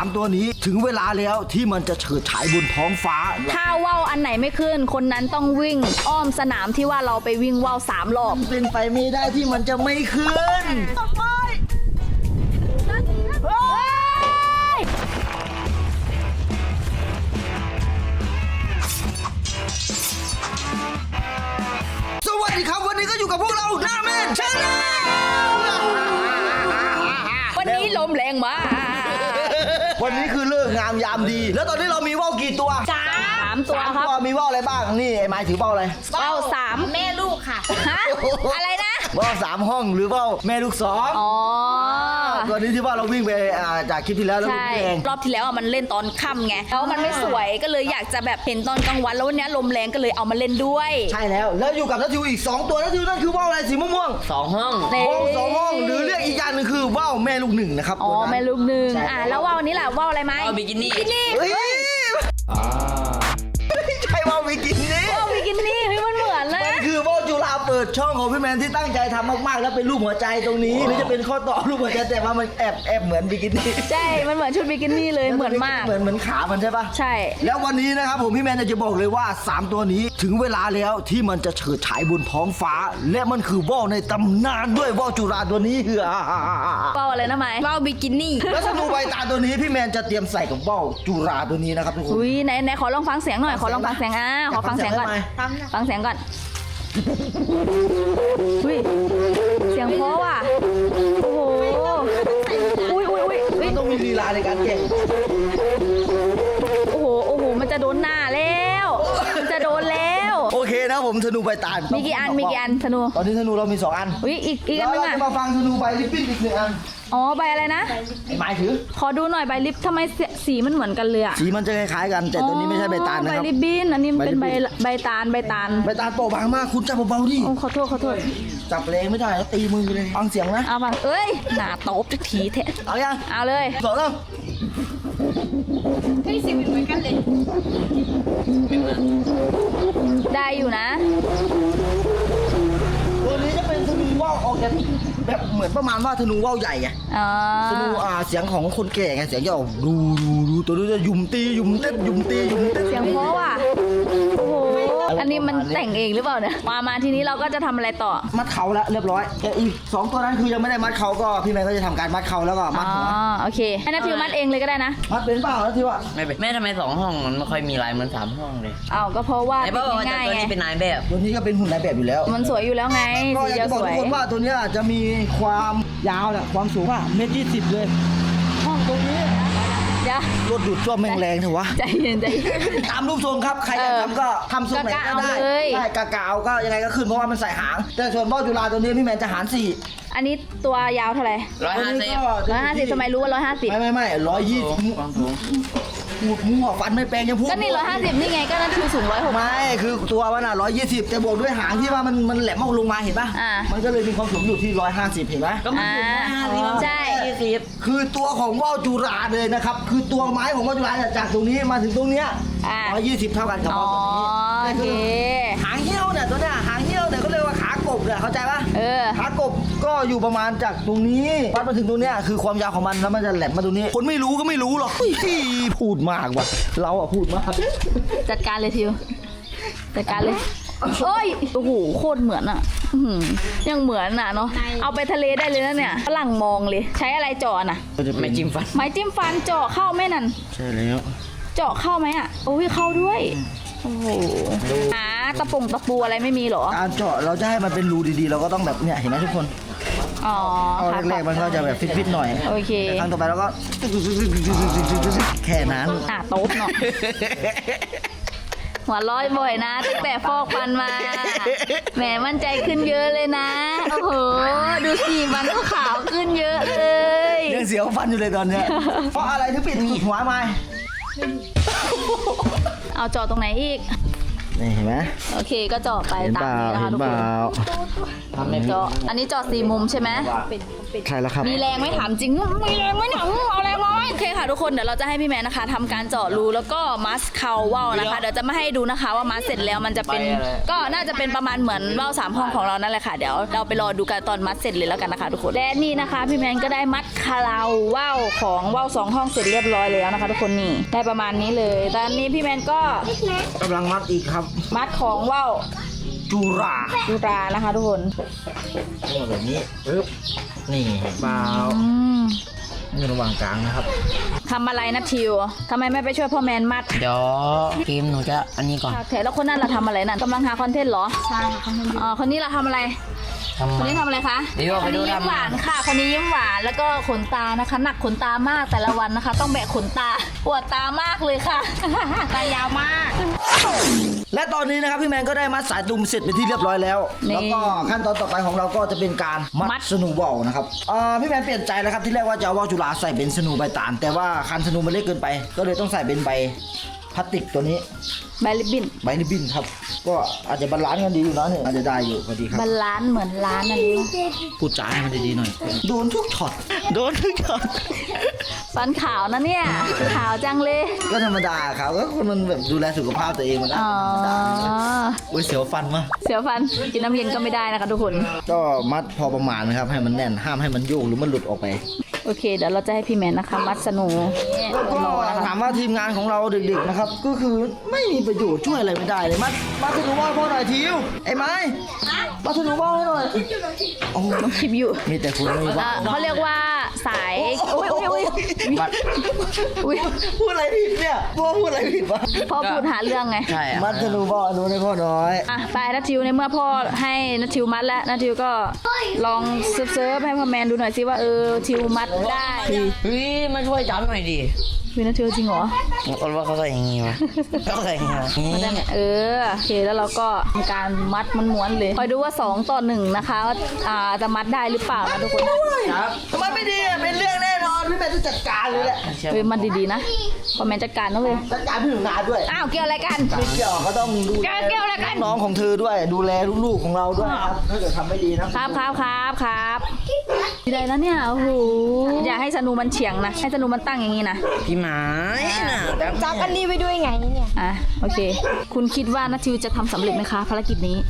3ตัวนี้ถึงเวลาแล้วที่มันจะเฉิดฉายบนท้องฟ้าถ้าว่าวอันไหนไม่ขึ้นคนนั้นต้องวิ่งอ้อมสนามที่ว่าเราไปวิ่งว่าว3 รอบเป็นไปไม่ได้ที่มันจะไม่ขึ้นสวัสดีครับวันนี้ก็อยู่กับพวกเราหน้าแม่ชาแนลวันนี้ลมแรงมากวันนี้คือเลิกงามยามดี แล้วตอนนี้เรามีว่าวกี่ตัว 3 ตัวครับมีว่าวอะไรบ้างนี่ไอ้ไม้ถือว่าวอะไรว่าว3 แม่ลูกค่ะฮะอะไรนะว่าว3 ห้องหรือว่าวแม่ลูก2 อ๋อตัวนี้ที่ว่าเราวิ่งไปจากคลิปที่แล้วแล้วใช่รอบที่แล้วมันเล่นตอนค่ำไงแล้วมันไม่สวยก็เลยอยากจะแบบเห็นตอนกลางวันแล้ววันนี้ลมแรงก็เลยเอามาเล่นด้วยใช่แล้วอยู่กับนัททิวอีก2 ตัวนัททิวนั่นคือว่าวอะไรสีม่วง 2 ห้องว่าว2 ห้องหรือเรียกอีกอย่างหนึ่งคือว่าวแม่ลูก1นะครับอ๋อแม่ลูก1แล้วว่าวนี้ล่ะว่าวอะไรไหมว่าวบิกินี่เฮ้ยใช่ว่าวบิกินี่ว่าวบิกินี่เฮ้ยมันเหมือนเลยมันคือว่าวจุฬาเปิดช่องของพี่แมนที่ตั้งใจทำมากๆแล้วเป็นรูปหัวใจตรงนี้หรือจะเป็นข้อต่อรูปหัวใจแต่ว่ามันแอบเหมือนบิกินี่ใช่มันเหมือนชุดบิกินี่เลยเหมือนมากเหมือนขามันใช่ปะใช่แล้ววันนี้นะครับผมพี่แมนจะบอกเลยว่า3ตัวนี้ถึงเวลาแล้วที่มันจะเฉิดฉายบนท้องฟ้าและมันคือว่าวในตำนานด้วยว่าวจุฬาตัวนี้ว่าวอะไรนะไหมว่าวบิกินี่แล้วธนูใบตาตัวนี้พี่แมนจะเตรียมใส่กับว่าวจุฬาตัวนี้นะครับทุกคนอุ้ยไหนขอลองฟังเสียงหน่อยขอลองฟังเสียงขอฟังเสียงก่อนฟังเสียงก่อนอุ้ยเสียงเพราะว่ะโอ้โหอุ้ยต้องมีลีลาในการเก่งโอ้โหมันจะโดนหน้าแล้วมันจะโดนแล้วโอเคนะผมธนูใบตามีกี่อันธนูตอนนี้ธนูเรามี2 อันอุ้ยอีกอันนึงอ่ะเราจะมาฟังธนูใบลิปปิ้นอีก1 อันอ๋อใบอะไรนะไอ้ไม้ถือขอดูหน่อยใบลิปทำไมสีมันเหมือนกันเลยอ่ะสีมันจะคล้ายๆกันแต่ตัวนี้ไม่ใช่ใบตาลนะครับใบลิปบิ้นอันนี้เป็นใบตาลโปะบางมากคุณจับเบาๆดิโอ้ขอโทษจับแรงไม่ได้แล้วตีมือเลยฟังเสียงนะเอาฟังเอ้ยหนาตบจะทีแท้เอายังเอาเลย 2 แล้วเฮ้ยสีเหมือนกันเลยได้อยู่นะตัวนี้จะเป็นธนูว่าวออกจากแบบเหมือนประมาณว่าธนูว่าวใหญ่ไงธนูเสียงของคนแก่ไงเสียงจะออกดูตัวนี้จะยุ่มตียุ่มเต้นเสียงเพราะว่ะโอ้โหอันนี้มันแต่งเองหรือเปล่าเนี่ยมาทีนี้เราก็จะทำอะไรต่อมัดเขาแล้วเรียบร้อยแต่อีก2 ตัวนั้นคือยังไม่ได้มัดเขาก็พี่แม่ก็จะทำการมัดเขาแล้วก็มัดหัวโอเคให้นัททิวมัดเองเลยก็ได้นะมัดเป็นเปล่านัททิวอะไม่เป็นแม่ทำไม2 ห้องมันไม่ค่อยมีลายเหมือน3 ห้องเลยก็เพราะว่าง่ายไงตัวนี้เป็นนายแบบตัวนี้ก็เป็นหุ่นนายแบบอยู่แล้วมันสวยอยู่แล้วไงก็อยากจะบอกทุกคนว่าตัวนี้จะมีความยาวเนี่ยความสูง1.20 เลยห้องตรงนี้รถดูดซ่วมแม่งแรงเถอะวะใจเย็นตามรูปทรงครับใครอยากทำก็ทำทรงไหนก็ได้ใช่กะเอาก็ยังไงก็ขึ้นเพราะว่ามันใส่หางแต่ส่วนว่าวจุฬาตัวนี้พี่แมนจะหาร4 อันนี้ตัวยาวเท่าไหร่150ทำไมรู้ว่า150 ไม่120หัวฟันไม่แปลงยังพูดก็นี่150นี่ไงก็นั่นคือสูง160 ไม่คือตัวมัน120แต่บวกด้วยหางที่ว่ามันแหลมมองลงมาเห็นป่ะมันก็เลยมีความสูงอยู่ที่150เห็นไหมก็มันสูงใช่คือตัวของว่าวจุฬาเลยนะครับคือตัวไม้ของว่าวจุฬาจากตรงนี้มาถึงตรงเนี้ย120เท่ากันกับว่าวตัวนี้โอเคหางเหี้ยวเนี่ยตัวเนี้ยหางเหี้ยวเนี่ยก็เรียกว่าขากบเนี่ยเข้าใจป่ะขากบก็อยู่ประมาณจากตรงนี้วัดมาถึงตรงเนี้ยคือความยาวของมันแล้วมันจะแหลมมาตรงนี้คนไม่รู้ก็ไม่รู้หรอกพูดมากว่ะเราอะพูดมากจัดการเลยทิวจัดการเลยโอ้ยโอ้โหโคตรเหมือนอ่ะยังเหมือนอ่ะเนาะเอาไปทะเลได้เลยนะเนี่ยฝรั่งมองเลยใช้อะไรเจาะน่ะไม้จิ้มฟันเจาะเข้าไหมนั่นใช่แล้วเจาะเข้าไหมอ่ะโอ้ยเข้าด้วยโอ้โหตะปูอะไรไม่มีหรอการเจาะเราจะให้มันเป็นรูดีๆเราก็ต้องแบบเนี่ยเห็นไหมทุกคนแรกๆมันก็จะแบบฟิตๆหน่อยโอเคครั้งต่อไปเราก็แค่นั้นโต๊ะเนาะหัวร้อยบ่อยนะตั้งแต่ฟอกฟันมาแหมมั่นใจขึ้นเยอะเลยนะโอ้โหดูสิฟันก็ขาวขึ้นเยอะเลยยังเสียวฟันอยู่เลยตอนเนี้ยเพราะอะไรถึงปิดหัวมาเอาเจาะตรงไหนอีกนี่เห็นไหมโอเคก็เจาะไปตามนี้นะคะทุกคนเจาะอันนี้เจาะ4 มุมใช่ไหมใช่แล้วครับมีแรงไหมถามจริงมีแรงไหมหนังเอาแรงมาโอเคค่ะทุกคนเดี๋ยวเราจะให้พี่แมนนะคะทำการเจาะรูแล้วก็มัสเข่าว่าวนะคะเดี๋ยวจะมาให้ดูนะคะว่ามัสเสร็จแล้วมันจะเป็นก็น่าจะเป็นประมาณเหมือนว่าว3 ห้องของเรานั่นแหละค่ะเดี๋ยวเราไปรอดูกันตอนมัดเสร็จเลยแล้วกันนะคะทุกคนและนี่นะคะพี่แมนก็ได้มัดคาราว่าวของว่าว2 ห้องเสร็จเรียบร้อยแล้วนะคะทุกคนนี่ได้ประมาณนี้เลยตอนนี้พี่แมนก็กำลังมัดอีกครับมัดของว่าวจุราจุรานะคะทุกคนแบบนี้ปึ๊บนี่เปล่ามนี่ระหว่างกลางนะครับทำอะไรนะทิวทำไมไม่ไปช่วยพ่อแมนมัดเดี๋ยวเกมหนูจะอันนี้ก่อนแถแล้วคนนั้นเราทำอะไรนั่นกำลังหาคอนเทนต์เหรอใช่ค่ะคนนี้เราทำอะไร คนนี้ทำอะไรคะเดี๋ยวคไปนดูนี้ยิ้มทำหวานค่ะ คนนี้ยิ้มหวานแล้วก็ขนตานะคะ หนักขนตามากแต่ละวันนะคะ ต้องแบกขนตาปวดตามากเลยค่ะ ตายาวมากและตอนนี้นะครับพี่แมนก็ได้มัดสายดุมเสร็จเป็นที่เรียบร้อยแล้วนี่แล้วก็ขั้นตอนต่อไปของเราก็จะเป็นการมัดสนูบอลนะครับพี่แมนเปลี่ยนใจแล้วครับที่แรกว่าจะเอาว่าวจุฬาใส่เป็นสนูใบตาลแต่ว่าคันสนูมันเล็กเกินไป ก็เลยต้องใส่เป็นใบพลาสติกตัวนี้ใบลิบบินใบริบบิ้นครับก็อาจจะบาลานซ์กันดีอยู่นะเนี่ยอาจจะได้อยู่พอดีครับบาลานซ์เหมือนร้านอะไรวะพูดจาให้มันดีๆหน่อยโดนทุกช็อตโดนทุกช็อตฟันขาวนะเนี่ยขาวจังเลยก็ธรรมดาครับก็คนมันแบบดูแลสุขภาพตัวเองมันก็อ๋อธรรมดาโอ้ยเสียวฟันมะเสียวฟันกินน้ำเย็นก็ไม่ได้นะคะทุกคนก็มัดพอประมาณนะครับให้มันแน่นห้ามให้มันโยกหรือมันหลุดออกไปโอเคเดี๋ยวเราจะให้พี่แมนนะคะ มัดสนูก็ถามว่าทีมงานของเราเด็กๆนะครับก็คือไม่มีประโยชน์ช่วยอะไรไม่ได้เลยมัดสนูว่าวพ่อหน่อยทิวไอ้ไม้มัดสนูว่าวให้หน่อยโอ้ต้องคลิปอยู่มีแต่คุณไม่มีว่าวเขาเรียกว่าสายอุ้ยมัดอุ้ยพูดอะไรผิดเนี่ยพ่อพูดอะไรผิดวะพ่อพูดหาเรื่องไงใช่อะมัดสนูว่าวดูให้พ่อน้อยอ่ะไปนัททิวในเมื่อพ่อให้นัททิวมัดแล้วนัททิวก็ลองเซิร์ฟให้พ่อแมนดูหน่อยสิว่าทิวมัดได้เฮ้ยมาช่วยจับหน่อยดิวินัททิวจริงเหรอคนว่าเขาใส่อย่างงี้วะเขาใส่อย่างงี้วะมัดได้ไงโอเคแล้วเราก็ทำการมัดม้วนๆเลยคอยดูว่า2 ต่อ 1นะคะว่าจะมัดได้หรือเปล่านะทุกคนครับทำไมไม่ดีอ่ะเป็นเรื่องแน่นอนพี่แมนจะจัดการเลยแหละเฮ้ยมัดดีๆนะพ่อแมนจัดการนะเว้ยจัดการพี่หนูนาด้วยอ้าวเกี่ยวอะไรกันไม่เกี่ยวเขาต้องดูแลเกี่ยวอะไรกันน้องของเธอด้วยดูแลลูกๆของเราด้วยครับถ้าเกิดทำไม่ดีนะครับดีเลยนะเนี่ยโอ้โหอย่าให้สนูมันเฉียงนะให้สนูมันตั้งอย่างนี้นะพี่หมาน่ะจับอันนี้ไว้ด้วยไงเนี่ยอ่ะโอเค คุณคิดว่านัททิวจะทำสำเร็จไหมคะภารกิจนี้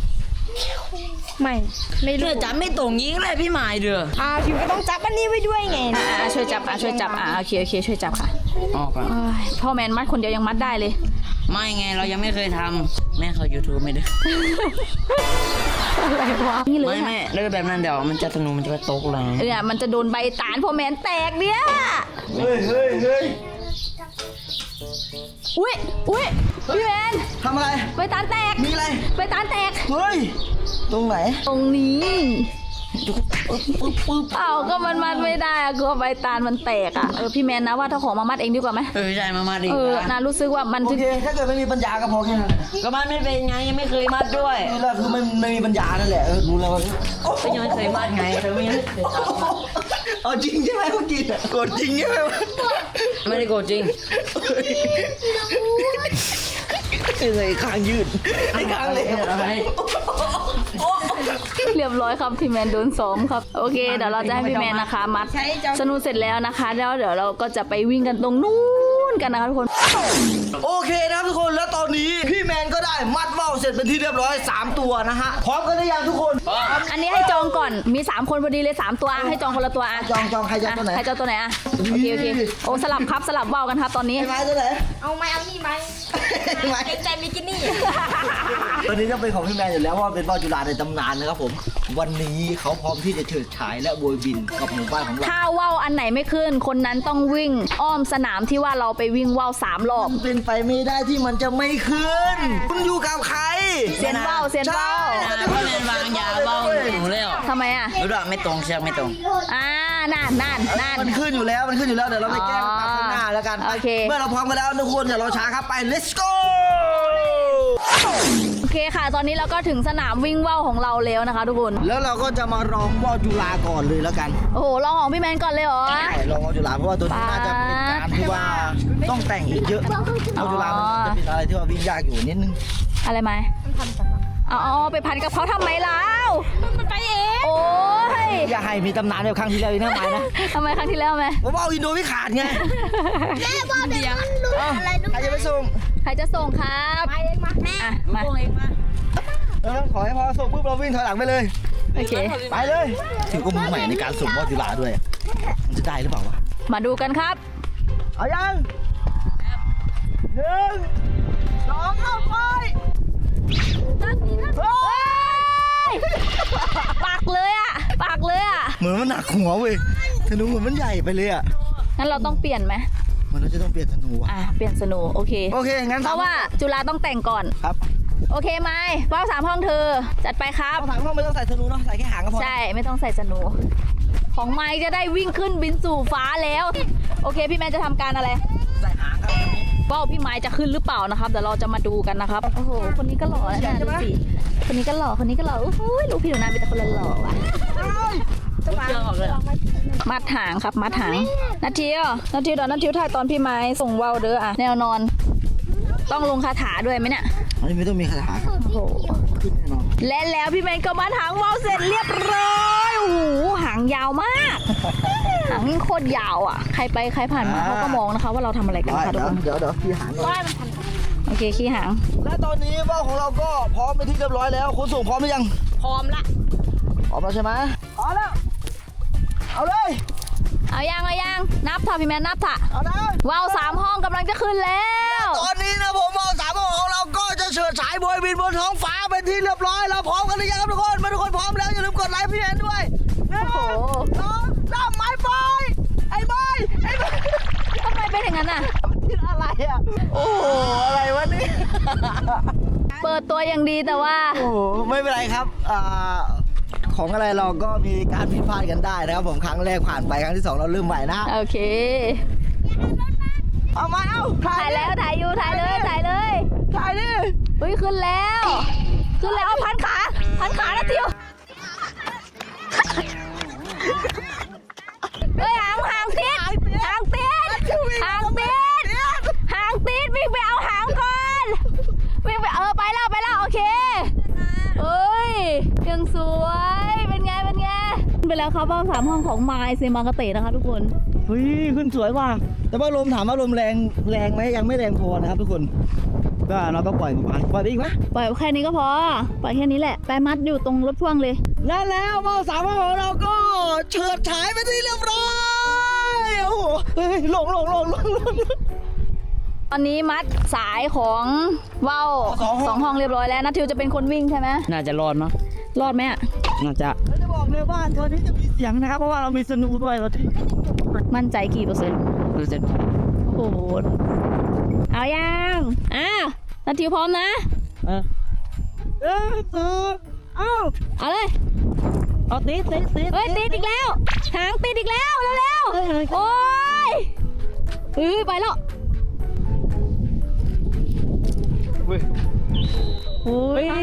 ไม่รู้เดือจับไม่ตรงยิงเลยพี่หมายเดือพิมก็ต้องจับอันนี้ไว้ด้วยไงช่วยจับโอเคช่วยจับค่ะออกก่อนเอ้ยพ่อแมนมัดคนเดียวยังมัดได้เลยไม่ไงเรายังไม่เคยทำแม่เขา YouTube ไม่ได้อะไรวะนี่เลยไม่เลิกแบบนั้นเดี๋ยวมันจะสนุกมันจะไปตกเลยเนี่ยมันจะโดนใบตาลพ่อแมนแตกเนี่ยเฮ้ยอุ้ยพี่แมนทำอะไรใบตาลแตกมีอะไรใบตาลแตกเฮ้ยตรงไหนตรงนี้เอ้าก็มันมัดไม่ได้อะกลัวใบตาลมันแตกอ่ะพี่แมนนะว่าถ้าของมามัดเองดีกว่าไหมใช่มาดีนะรู้สึกว่ามันโอถึงเคถ้าเกิดไม่มีปัญญาก็พอแค่นั้นก็มันไม่เป็นไงยังไม่เคยมัดด้วยนี่แหละคือไม่มีปัญญานั่นแหละรู้แล้วว่าก็ยังไม่เคยมัดไงเธอไม่เคยจับเอาจริงใช่ไหมเมื่อกี้กดจริงใช่ไหมไม่ได้โกรธจริงเลยข้างยืดไอ้ข้างเลยเรียบร้อยครับพี่แมนโดนซ้อมครับโอเคเดี๋ยวเราจะให้พี่แมนนะคะมัดสนุกเสร็จแล้วนะคะแล้วเดี๋ยวเราก็จะไปวิ่งกันตรงนู้นกันนะคะทุกคนโอเคนะครับทุกคนแล้วตอนนี้พี่แมนก็ได้มัดว่าวเสร็จเป็นที่เรียบร้อย3 ตัวนะฮะพร้อมกันหรือยังทุกคนอันนี้ให้จองก่อนมี3 คนพอดีเลย3 ตัวให้จองคนละตัวอ่ะจองใครจะตัวไหนใครจะเอาตัวไหนอ่ะโอเคโอ้สลับว่าวกันครับตอนนี้ไอ้ไม้ตัวไหนเอาไหมเอานี่ไหมไม้เกรงใจมิกินี่ตัวนี้ก็เป็นของพี่แมนอยู่แล้วเพราะว่าเป็นว่าวจุฬาในตำนานนะครับผมวันนี้เขาพร้อมที่จะเฉิดฉายและโบยบินกับหมู่บ้านของเราถ้าว่าวอันไหนไม่ขึ้น คนนั้นต้องวิ่งอ้อมสนามที่ว่าเราไปวิ่งว่าว3 รอบมันเป็นไปไม่ได้ที่มันจะไม่ขึ้นคุณอยู่กับใครเซียนว่าวใช่พี่แมนวางยาเบ้าหนูแล้วทำไมอ่ะรู้ด้วยไม่ตรงเชือกไม่ตรงนั่นมันขึ้นอยู่แล้วเดี๋ยวเราไปแก้ปัญหาข้างหน้าแล้วกันโอเคเมื่อเราพร้อมกันแล้วทุกคนอย่ารอช้าครับไป let's go โอเคค่ะ ตอนนี้เราก็ถึงสนามวิ่งว่าวของเราแล้วนะคะ ทุกคนแล้วเราก็จะมาลองว่าวจุฬาก่อนเลยแล้วกันโอ้โหลองของพี่แมนก่อนเลยเหรอใช่ลองว่าวจุฬาเพราะว่าตัวนี้น่าจะเป็นการที่ว่าต้องแต่งอีกเยอะว่าวจุฬามันจะเป็นอะไรที่ว่าวิ่งยากอยู่นิดนึงอะไรไหมเอาไปพันกับเขาทำไมแล้วมันไปเองโอ้ยอย่าให้มีตำนานแบบครั้งที่แล้วอีกนะไม้นะทำไมครั้งที่แล้วไหมผมเอาอินโดไม่ขาดไงแม่ว่าเดี๋ยวมันหลุดอะไรดูใครจะไปส่งใครจะส่งครับไปเองมาแม่อ่ะมาพวกเองมาขอให้พอส่งปุ๊บเราวิ่งถอยหลังไปเลยโอเคไปเลยถือก็มือใหม่ในการส่งว่าวจุฬาด้วย มันจะได้หรือเปล่าวะมาดูกันครับเอายัง1 2เข้าไปเฮ้ยปักเลยอ่ะปักเลยอ่ะเหมือนมันหนักหัวเว้ยธนูเหมือนมันใหญ่ไปเลยอ่ะงั้นเราต้องเปลี่ยนไหมมันเราจะต้องเปลี่ยนธนูอ่ะอ่ะเปลี่ยนสนูโอเคโอเคงั้นเพราะว่าจุฬาต้องแต่งก่อนครับโอเคไหมว่าว3 ห้องเธอ จัดไปครับเอาถามว่าไม่ต้องใส่ธนูเนาะใส่แค่หางก็พอใช่ไม่ต้องใส่สนู ของไม้จะได้วิ่งขึ้นบินสู่ฟ้าแล้ว โอเคพี่แมนจะทำการอะไรใส่หางครับว่าวพี่ไม้จะขึ้นหรือเปล่านะครับเดี๋ยวเราจะมาดูกันนะครับโอ้โหคนนี้ก็หล่อแล้วนะดูสิคนนี้ก็หล่อคนนี้ก็หล่อโอ้โหลูกพี่หนูนาเป็นแต่คนหล่อๆว่ะเชื่อออกเลยมัดหางครับมัดหางนาทีอ่ะนาทีเดี๋ยวนาทีถ่ายตอนพี่ไม้ส่งว่าวเด้ออ่ะแนวนอน ต้องลงคาถาด้วยไหมเนี่ยอันนี้ไม่ต้องมีคาถาครับโอ้โหขึ้นแน่นอนและแล้วพี่แมนก็มัดหางว่าวเสร็จเรียบร้อยโอ้โหหางยาวมากหางโคตรยาวอ่ะใครไปใครผ่านมาเขาก็มองนะคะว่าเราทำอะไรกันนะคะทุกคนเดี๋ยวพี่หางก่อนโอเคขี้หางและตอนนี้ว่าวของเราก็พร้อมเป็นที่เรียบร้อยแล้วคุณส่งพร้อมหรือยังพร้อมละพร้อมแล้วใช่ไหมพร้อมแล้ว เอาเลยเอายังนับเถอะพี่แมนนับเถอะเอานะว่าว3 ห้องกำลังจะขึ้นแล้วตอนนี้นะผมเอา3ของเราก็จะเฉิดฉายโบยบินบนท้องฟ้าเป็นที่เรียบร้อยเราพร้อมกันหรือยังครับทุกคนมาทุกคนพร้อมแล้วอย่าลืมกดไลค์พี่แอนด้วยโอ้โห 1 2 3ไม้บอยไอ้บอยทำไมเป็นอย่างนั้นอ่ะที่อะไรอ่ะโอ้โหอะไรวะนี่เปิดตัวอย่างดีแต่ว่าโอ้โหไม่เป็นไรครับของอะไรเราก็มีการผิดพลาดกันได้นะครับผมครั้งแรกผ่านไปครั้งที่2เราเริ่มใหม่นะโอเคเอามาเอาถ่ายแล้วถ่ายอยู่ถ่ายเลยถ่ายดิเฮ้ยขึ้นแล้วเอาพันขาแล้วทิวเฮ้ยหางติดวิ่งไปเอาหางก่อนวิ่งไปไปแล้วโอเคเอ้ยยังสวยเป็นไงไปแล้วครับว่าว3 ห้องของไมล์เซมังกะเตะนะคะทุกคนเฮ้ยขึ้นสวยว่ะแต่ว่าลมถามว่าลมแรงไหมยังไม่แรงพอนะครับทุกคนก็เราก็ปล่อยไปอีกไหมปล่อยแค่นี้ก็พอปล่อยแค่นี้แหละไปมัดอยู่ตรงรถพ่วงเลยและแล้วว่าว3ของเราก็เฉิดฉายไปที่เรียบร้อยโอ้โหเฮ้ยลงตอนนี้มัดสายของว่าว 2 ห้อง 2 ห้องเรียบร้อยแล้วนัททิวจะเป็นคนวิ่งใช่ไหมน่าจะรอดเนาะรอดไหมอ่ะน่าจะเราจะบอกเลยว่าตัวนี้จะมีเสียงนะครับเพราะว่าเรามีสนูด้วยเราที่มั่นใจกี่เปอร์เซ็นต์รู้สึกโอ้โหเอายังนัททิวพร้อมนะเออเอาเลยเอาติดเฮ้ยติดอีกแล้วหางติดอีกแล้วเร็วๆโอ้ยไปแล้วเว้ยโอ้ยเฮ้ย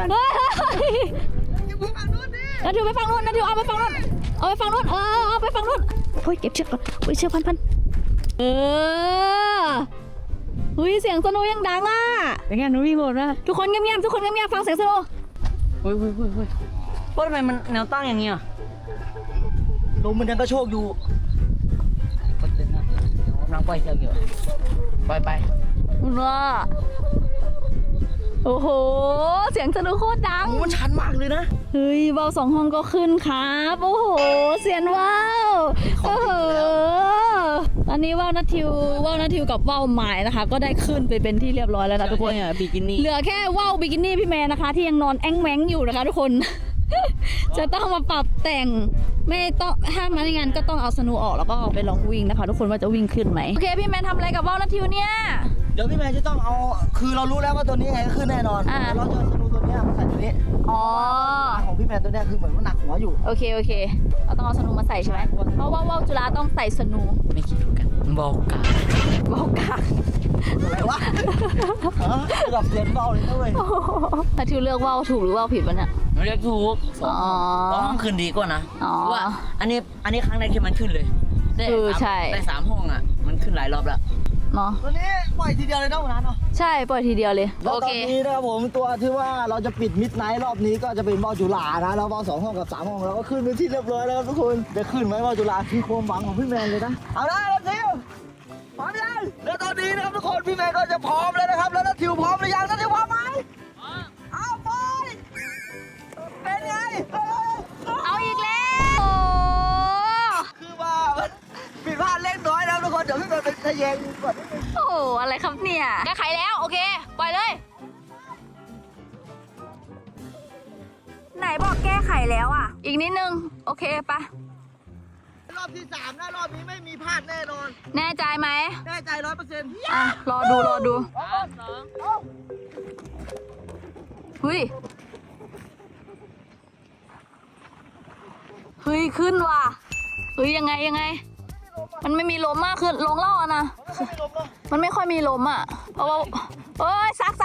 นัททิวไปฝั่งนู้นนัททิวเอาไปฝั่งนู้นเอาไปฝั่งนู้นเฮ้ยเก็บเชือกก่อนเฮ้ยเชือกพันเฮ้ยเสียงสโนว์ยังดังอ่ะเป็นไงหนูวิ่งหมดนะทุกคนเงียบๆฟังเสียงสโนว์เฮ้ยเพราะทำไมมันแนวตั้งอย่างเงี้ยลมมันยังกระโชกอยู่ก็เป็นนะน้ำปล่อยเชือกอยู่ปล่อยไปว้าโอ้โหเสียงสโนว์โคตรดังโอ้มันชันมากเลยนะเฮ้ยว่าว2 ห้องก็ขึ้นครับโอ้โหเสียงว่าวโอ้โหตอนนี้ว่าวนัททิวกับว่าวหมายนะคะ ก็ได้ขึ้นไปเป็นที่เรียบร้อยแล้วนะทุกคนเนี่ยบิกินี่เหลือแค่ว่าวบิกินี่พี่แมนนะคะ ที่ยังนอนแอ้งแม้งอยู่นะคะทุกคน จะต้องมาปรับแต่งไม่ต้องถ้ามาในงานก็ต้องเอาสนูออกแล้วก็เอาไปลองวิ่งนะคะ ทุกคนว่าจะวิ่งขึ้นไหมโอเคพี่แมนทำอะไรกับว่าวนัททิวเนี่ยเดี๋ยวพี่แมนจะต้องเอาคือเรารู้แล้วว่าตัวนี้ยังไงก็ขึ้นแน่นอนอ่าเราจะเอาสนูตัวเนี้ยมาใส่ตัวนี้อ๋อของพี่แมนตัวเนี้ยคือเหมือนมันหนักหัวอยู่โอเคเราต้องเอาสนูมาใส่ใช่ไหมเพราะว่าว่าวจุฬาต้องใส่สนูไม่คิดถูกกันบอกกันว่าวกากอะไรวะระดับเสียงเบาเลยนะเว้ยนัททิวเลือกว่าวถูกหรือว่าวผิดวะเนี่ยไม่เรียกถูกอ๋อห้องคืนดีกว่านะอ๋อเพราะว่าอันนี้ครั้งแรกที่มันขึ้นเลยได้ใช่ได้3 ห้องอ่ะมันขึ้นหลายรอบแล้วเนาะตัวนี้ปล่อยทีเดียวเลยเนาะวันนั้นเนาะใช่ปล่อยทีเดียวเลยแล้วโอตอเคนนี้นะครับผมตัวที่ว่าเราจะปิดมิดไนท์รอบนี้ก็จะเป็นว่าวจุฬานะแล้วว่าว2 ห้องกับ3 ห้องเราก็ขึ้นไปที่เรียบร้อยแล้วครับทุกคนจะขึ้นไหมว่าวจุฬาคือความหวังของพี่แมนเลยนะเอาได้แล้วทิวพร้อมยังแล้วตอนนี้นะครับทุกคนพี่แมนก็จะพร้อมแล้วนะครับแล้วนัททิวพร้อมหรือยังนัททิวพร้อมไหมเอาไปเป็นไงเอาอีกแล้วโอ้คือว่ามันผิดพลาดเล็กน้อยนะทุกคนเดี๋ยวพี่แมนเป็นทะแยงก่อนนิดนึงโหอะไรครับเนี่ยแก้ไขแล้วโอเคปล่อยเลยไหนบอกแก้ไขแล้วอ่ะอีกนิดนึงโอเคปะรอบที่3นะรอบนี้ไม่มีพลาดแน่นอนแน่ใจไหมแน่ใจ100% อ่ะรอดูเฮ้ยขึ้นว่ะเฮ้ยยังไงมันไม่มีลมมากขึ้นลงล่อนะมันไม่ค่อยมีลมอ่ะเพราะว่าเอ้ยซัก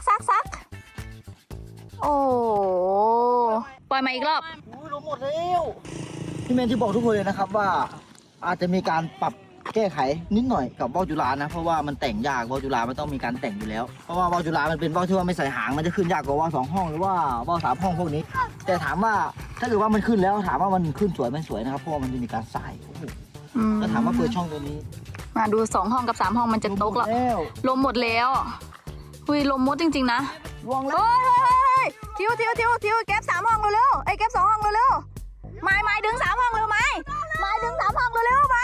โอ้ปล่อยมาอีกรอบอุ้ยลงหมดแล้วพี่แมนที่บอกทุกคนเลยนะครับว่าอาจจะมีการปรับแก้ไขนิดหน่อยกับว่าวจุฬานะเพราะว่ามันแต่งยากว่าวจุฬามันต้องมีการแต่งอยู่แล้วเพราะว่าว่าวจุฬามันเป็นว่าวที่ว่าไม่ใส่หางมันจะขึ้นยากกว่าว่าว2 ห้องหรือว่าว่าว3 ห้องพวกนี้ แต่ถามว่าถ้าเกิดว่ามันขึ้นแล้วถามว่ามันขึ้นสวยไม่สวยนะครับเพราะว่ามันจะมีการสายโอ้โหแล้วถามว่าเปิดช่องตัวนี้มาดู2 ห้องกับ3 ห้องมันจะตกแล้วลมหมดแล้วหุยลมมดจริงๆนะลวงแล้วเฮ้ยทิวเก็บ3 ห้องเร็วๆไอ้เก็บ2 ห้องเร็วๆไม้ดึง3 ห้องเร็วไม้ดึง3 ห้องเร็วๆไม้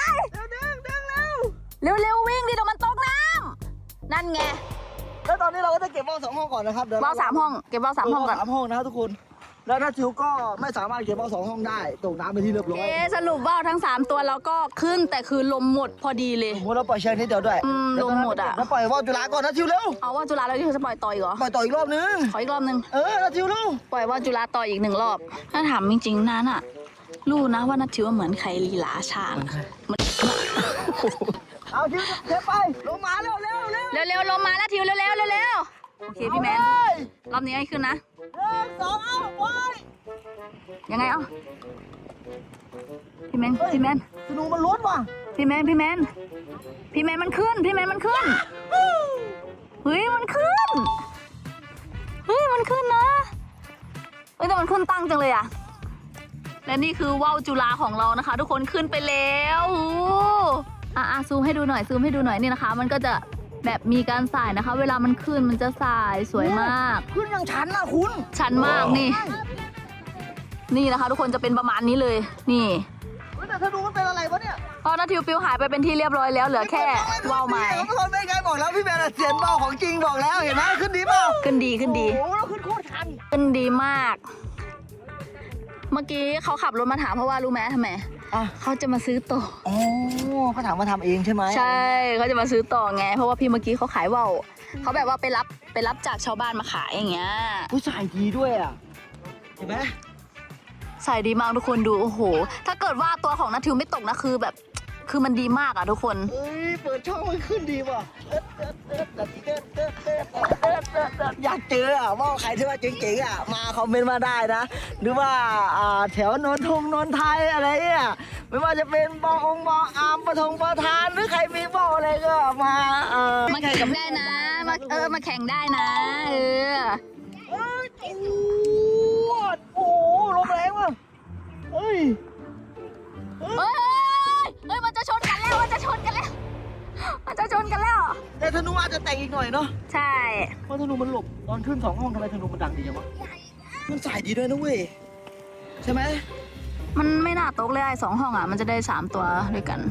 เร็ววิ่งดิเดี๋ยวมันตกน้ำนั่นไงแล้วตอนนี้เราก็จะเก็บว่าว2 ห้องก่อนนะครับเดี๋ยวว่าว3 ห้องเก็บว่าว3 ห้องก่อน 3 ห้องนะครับทุกคนแล้วนัททิวก็ไม่สามารถเก็บว่าว2 ห้องได้ตกน้ำไปที่เรียบร้อยสรุปว่าวทั้ง3 ตัวแล้วก็ขึ้นแต่คือลมหมดพอดีเลยสมมติเราปล่อยเชือกนิดเดียวด้วยลมหมดอ่ะแล้วปล่อยว่าวจุฬาก่อนนัททิวเร็วเอาว่าวจุฬาแล้วที่จะปล่อยต่ออีกเหรอปล่อยต่ออีกรอบนึงขออีกรอบนึงนัททิวเร็วปล่อยว่าวจุฬาต่ออีก1 รอบถ้าถามจริงๆนั้นอ่ะรู้นะว่านัททิวเหมือนใครลีลาช้างมันเอาทิวเก็บไปลงมาเร็วลงมาแล้วทิวเร็วโอเคพี่แมนรอบนี้ให้ขึ้นนะ 1 2เอาไปยังไงพี่แมนธนูมันล้นว่ะพี่แมนมันขึ้นเฮ้ยมันขึ้นนะมันขึ้นแต่มันขึ้นตั้งจังเลยอะและนี่คือว่าวจุฬาของเรานะคะ ทุกคนขึ้นไปแล้วซูมให้ดูหน่อยนี่นะคะ มันก็จะแบบมีการสายนะคะ เวลามันขึ้นมันจะสายสวยมากขึ้นอย่างชันนะคุณชันมากนี่นะคะ ทุกคนจะเป็นประมาณนี้เลยนี่แต่ธนูมันเป็นอะไรวะเนี่ยพอนาทิวปิวหายไปเป็นที่เรียบร้อยแล้วเหลือแค่ว่าวไม้ทุกคนไม่ไงบอกแล้วพี่แมนเสียนว่าวของจริงบอกแล้วเห็นไหมขึ้นดีเปล่าขึ้นดีโอ้โหแล้วขึ้นโคตรชันขึ้นดีมาก เมื่อกี้เขาขับรถมาถามเพราะว่ารู้ไหมทำไมเขาจะมาซื้อต่ออ๋อเขาถามมาทำเองใช่ไหมใช่เขาจะมาซื้อต่อไงเพราะว่าพี่เมื่อกี้เขาขายว่าวเขาแบบว่าไปรับจากชาวบ้านมาขายอย่างเงี้ยผู้ชายดีด้วยอ่ะเห็นไหมใส่ดีมากทุกคนดูโอ้โหถ้าเกิดว่าตัวของนัททิวไม่ตกนะคือมันดีมากอ่ะทุกคนเอ้ยเปิดช่องมันขึ้นดีว่ะอยากเจออ่ะว่าใครที่ว่าเจ๋งๆอ่ะมาคอมเมนต์มาได้นะหรือว่าแถวนนไทยอะไรเนี่ยไม่ว่าจะเป็นบอามประธานหรือใครมีบออะไรก็มามาแข่งกับได้นะมาแข่งได้นะโอ้ลมแรงว่ะเฮ้ยมันจะชนกันแล้วแต่ธนูอาจจะแต่งอีกหน่อยเนาะใช่เพราะธนูมันหลบตอนขึ้น2 ห้องทำไมธนูมันดังดีจังวะมันสายดีด้วยนะเว้ยใช่ไหมมันไม่น่าตกเลย2 ห้องอ่ะมันจะได้3 ตัวด้วยกัน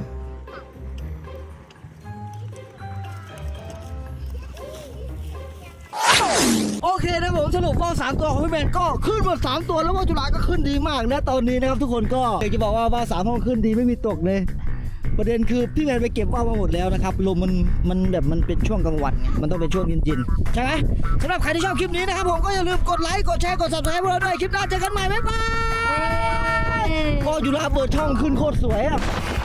โอเคนะผมสรุปว่าว3 ตัวของพี่แมนก็ขึ้นหมด3 ตัวแล้วว่าวจุฬาก็ขึ้นดีมากนะตอนนี้นะครับทุกคนก็อยากจะบอกว่าว่าว3 ห้องขึ้นดีไม่มีตกเลยประเด็นคือพี่แมนไปเก็บว่าวมาหมดแล้วนะครับลมมันแบบมันเป็นช่วงกลางวันไงมันต้องเป็นช่วงเย็นๆใช่ไหมสำหรับใครที่ชอบคลิปนี้นะครับผมก็อย่าลืมกดไลค์กดแชร์กด Subscribe พวกเราด้วยคลิปหน้าเจอกันใหม่บ๊ายบายก็จุฬาเปิดช่องขึ้นโคตรสวยอ่ะ